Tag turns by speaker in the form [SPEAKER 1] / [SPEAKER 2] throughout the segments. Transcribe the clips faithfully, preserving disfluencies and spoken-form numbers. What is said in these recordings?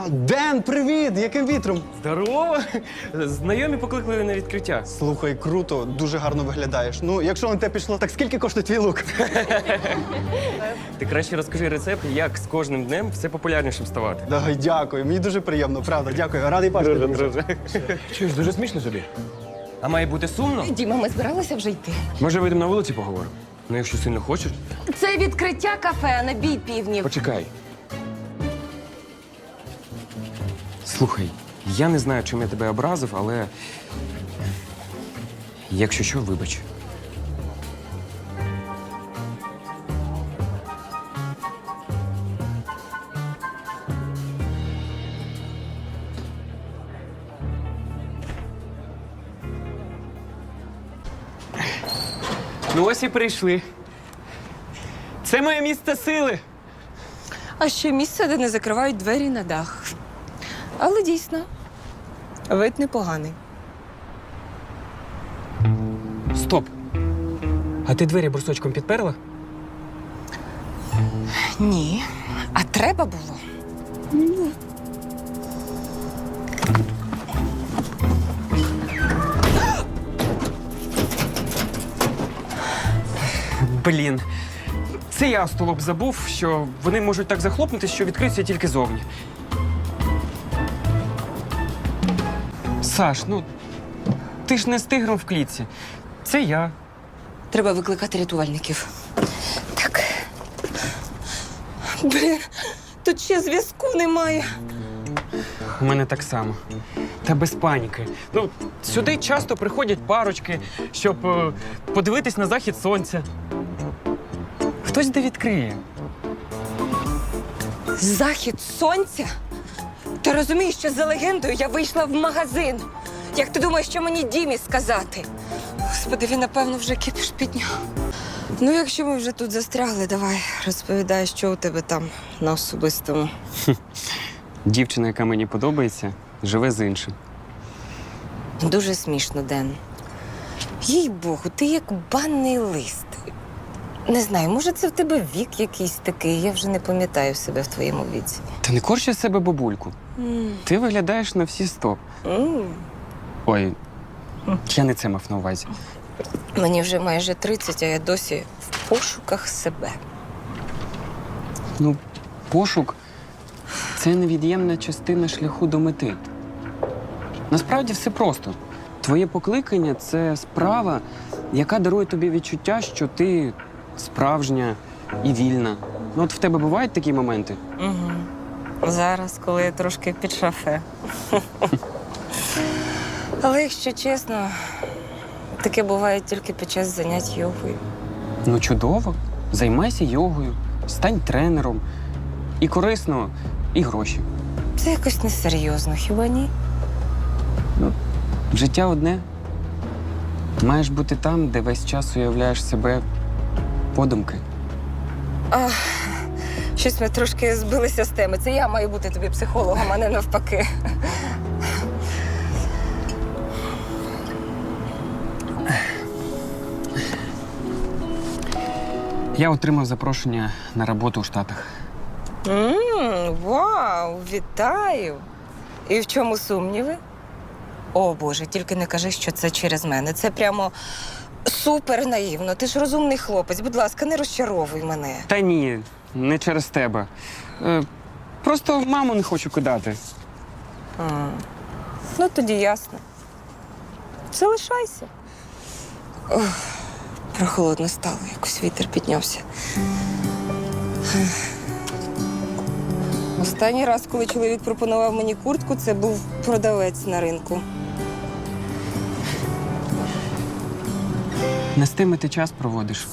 [SPEAKER 1] Ден, привіт! Яким вітром?
[SPEAKER 2] Здорово! Знайомі покликали на відкриття.
[SPEAKER 1] Слухай, круто, дуже гарно виглядаєш. Ну, якщо на те пішло, так скільки коштує твій лук?
[SPEAKER 2] Ти краще розкажи рецепт, як з кожним днем все популярнішим ставати.
[SPEAKER 1] Давай, дякую, мені дуже приємно, правда, дякую. Радий бачити.
[SPEAKER 2] Друже,
[SPEAKER 1] друже.
[SPEAKER 2] друже.
[SPEAKER 3] Чуєш, дуже смішно тобі.
[SPEAKER 2] А має бути сумно?
[SPEAKER 4] Діма, ми збиралися вже йти.
[SPEAKER 2] Може, вийдемо на вулиці поговоримо? Ну, якщо сильно хочеш.
[SPEAKER 4] Це відкриття кафе, а не бій півнів.
[SPEAKER 3] Почекай.
[SPEAKER 2] Слухай, я не знаю, чим я тебе образив, але якщо що, вибач. Ну ось і прийшли. Це моє місце сили.
[SPEAKER 4] А ще місце, де не закривають двері на дах. Але дійсно, вид непоганий.
[SPEAKER 2] Стоп. А ти двері брусочком підперла?
[SPEAKER 4] Ні. А треба було.
[SPEAKER 2] Блін. Це я, столоп, забув, що вони можуть так захлопнутися, що відкриються тільки зовні. Саш, ну ти ж не з тигром в клітці. Це я.
[SPEAKER 4] Треба викликати рятувальників. Так. Блін, тут ще зв'язку немає.
[SPEAKER 2] У мене так само. Та без паніки. Ну, сюди часто приходять парочки, щоб е, подивитись на захід сонця. Хтось де відкриє.
[SPEAKER 4] Захід сонця? Ти розумієш, що за легендою я вийшла в магазин. Як ти думаєш, що мені Дімі сказати? Господи, він, напевно, вже кипіш підняв. Ну, якщо ми вже тут застрягли, давай розповідай, що у тебе там на особистому.
[SPEAKER 2] Дівчина, яка мені подобається, живе з іншим.
[SPEAKER 4] Дуже смішно, Ден. Їй-богу, ти як банний лист. Не знаю, може, це в тебе вік якийсь такий, я вже не пам'ятаю себе в твоєму віці.
[SPEAKER 2] Та не корчи з себе бабульку.
[SPEAKER 4] М.
[SPEAKER 2] Ти виглядаєш на всі сто.
[SPEAKER 4] М.
[SPEAKER 2] Ой, я не це мав на увазі.
[SPEAKER 4] Мені вже майже тридцять, а я досі в пошуках себе.
[SPEAKER 2] Ну, пошук – це невід'ємна частина шляху до мети. Насправді все просто. Твоє покликання – це справа, яка дарує тобі відчуття, що ти справжня і вільна. Ну, от в тебе бувають такі моменти?
[SPEAKER 4] Угу. Зараз, коли я трошки під шафе. Але, якщо чесно, таке буває тільки під час занять йогою.
[SPEAKER 2] Ну, чудово. Займайся йогою, стань тренером. І корисно, і гроші.
[SPEAKER 4] Це якось несерйозно, хіба ні?
[SPEAKER 2] Життя одне. Маєш бути там, де весь час уявляєш себе подумки.
[SPEAKER 4] А, щось ми трошки збилися з теми. Це я маю бути тобі психологом, а не навпаки.
[SPEAKER 2] Я отримав запрошення на роботу у Штатах.
[SPEAKER 4] Ммм, вау, вітаю! І в чому сумніви? О, Боже, тільки не кажи, що це через мене. Це прямо супер наївно. Ти ж розумний хлопець. Будь ласка, не розчаровуй мене.
[SPEAKER 2] Та ні, не через тебе. Е, просто маму не хочу кидати.
[SPEAKER 4] А, ну, тоді ясно. Залишайся. Ох, прохолодно стало, якось вітер піднявся. Останній раз, коли чоловік пропонував мені куртку, це був продавець на ринку.
[SPEAKER 2] Не з тими ти час проводиш.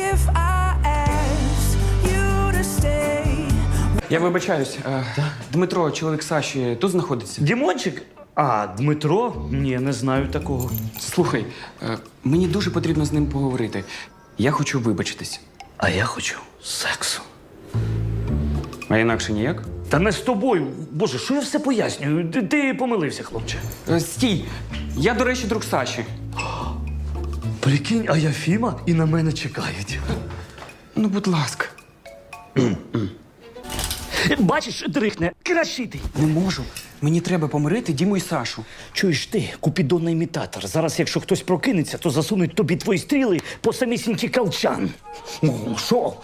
[SPEAKER 2] Я вибачаюсь. Е, Дмитро, чоловік Саші, тут знаходиться.
[SPEAKER 5] Дімончик? А, Дмитро? Ні, не знаю такого.
[SPEAKER 2] Слухай, е, мені дуже потрібно з ним поговорити. Я хочу вибачитись.
[SPEAKER 5] А я хочу сексу.
[SPEAKER 2] А інакше ніяк?
[SPEAKER 5] Та не з тобою. Боже, що я все пояснюю? Ти, ти помилився, хлопче.
[SPEAKER 2] Е, стій! Я, до речі, друг Саші.
[SPEAKER 5] Прикинь, а я Фіма і на мене чекають.
[SPEAKER 2] Ну, будь ласка.
[SPEAKER 5] Бачиш, дрихне, кращити.
[SPEAKER 2] Не можу. Мені треба помирити Діму і Сашу.
[SPEAKER 5] Чуєш ти, купідонний імітатор. Зараз, якщо хтось прокинеться, то засунуть тобі твої стріли по самісінький калчан. Ну, що?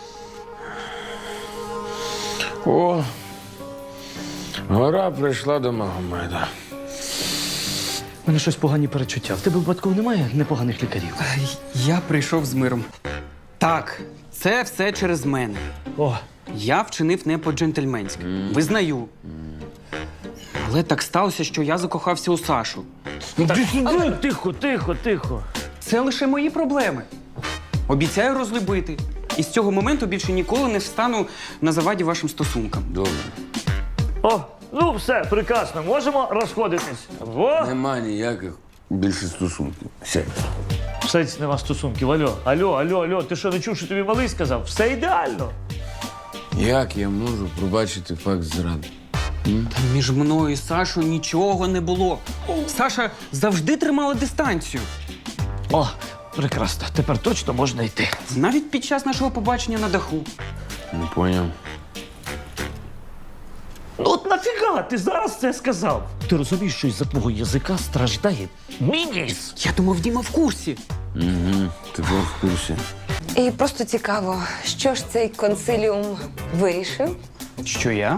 [SPEAKER 3] О, гора прийшла до Магомеда.
[SPEAKER 5] У мене щось погані перечуття. В тебе випадково немає непоганих лікарів?
[SPEAKER 2] Я прийшов з миром. Так, це все через мене.
[SPEAKER 5] О,
[SPEAKER 2] Я вчинив не по-джентльменськи. Визнаю. Але так сталося, що я закохався у Сашу.
[SPEAKER 5] так, тихо, тихо, тихо.
[SPEAKER 2] Це лише мої проблеми. Обіцяю розлюбити. І з цього моменту більше ніколи не встану на заваді вашим стосункам.
[SPEAKER 3] Добре.
[SPEAKER 5] О, ну все, прекрасно, можемо розходитись. Во!
[SPEAKER 3] Нема ніяких більше стосунків. Все.
[SPEAKER 5] Все це нема стосунків. Алло, алло, алло, алло, ти що не чув, що тобі малий сказав? Все ідеально.
[SPEAKER 3] Як я можу пробачити факт зради?
[SPEAKER 2] Та між мною і Сашою нічого не було. Саша завжди тримала дистанцію.
[SPEAKER 5] О, прекрасно, тепер точно можна йти.
[SPEAKER 2] Навіть під час нашого побачення на даху.
[SPEAKER 3] Не поняв.
[SPEAKER 5] Ну от нафіга ти зараз це сказав? Ти розумієш, що із-за твого язика страждає мій ніс?
[SPEAKER 2] Я думав, Діма в курсі.
[SPEAKER 3] Угу, ти був в курсі.
[SPEAKER 4] І просто цікаво, що ж цей консиліум вирішив?
[SPEAKER 2] Що я?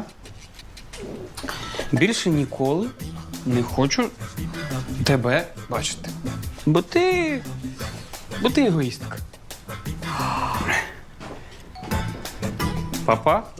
[SPEAKER 2] Більше ніколи не хочу тебе бачити. Бо ти. Бо ти егоїстка. Папа?